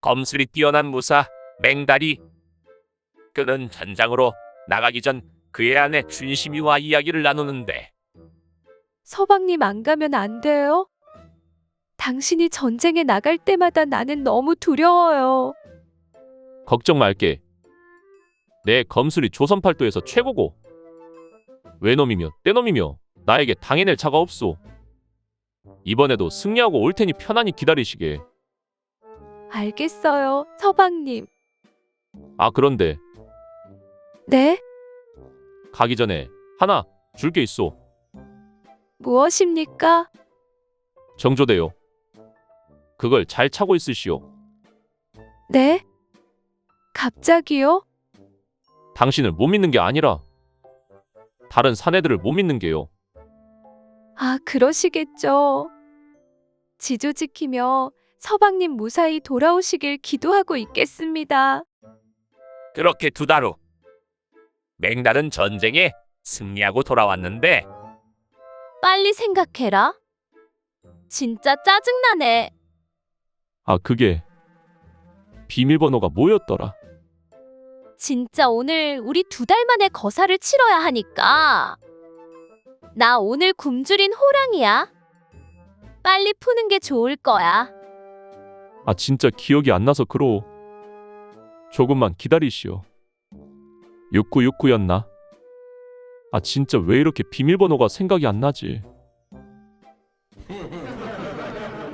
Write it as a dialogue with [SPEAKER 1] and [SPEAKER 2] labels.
[SPEAKER 1] 검술이 뛰어난 무사 맹다리. 그는 전장으로 나가기 전 그의 아내 춘심이와 이야기를 나누는데
[SPEAKER 2] 서방님 안 가면 안 돼요? 당신이 전쟁에 나갈 때마다 나는 너무 두려워요.
[SPEAKER 3] 걱정 말게. 내 검술이 조선팔도에서 최고고 외놈이며 떼놈이며 나에게 당해낼 자가 없소. 이번에도 승리하고 올 테니 편안히 기다리시게.
[SPEAKER 2] 알겠어요, 서방님.
[SPEAKER 3] 아 그런데
[SPEAKER 2] 네?
[SPEAKER 3] 가기 전에 하나 줄 게 있소.
[SPEAKER 2] 무엇입니까?
[SPEAKER 3] 정조대요. 그걸 잘 차고 있으시오.
[SPEAKER 2] 네? 갑자기요?
[SPEAKER 3] 당신을 못 믿는 게 아니라 다른 사내들을 못 믿는 게요.
[SPEAKER 2] 아, 그러시겠죠. 지조 지키며 서방님 무사히 돌아오시길 기도하고 있겠습니다.
[SPEAKER 1] 그렇게 2달 후 맹달은 전쟁에 승리하고 돌아왔는데
[SPEAKER 4] 빨리 생각해라. 진짜 짜증나네.
[SPEAKER 3] 아 그게 비밀번호가 뭐였더라.
[SPEAKER 4] 진짜 오늘 우리 2달 만에 거사를 치러야 하니까. 나 오늘 굶주린 호랑이야. 빨리 푸는 게 좋을 거야.
[SPEAKER 3] 아 진짜 기억이 안 나서 그러오. 조금만 기다리시오. 6969였나? 아 진짜 왜 이렇게 비밀번호가 생각이 안 나지?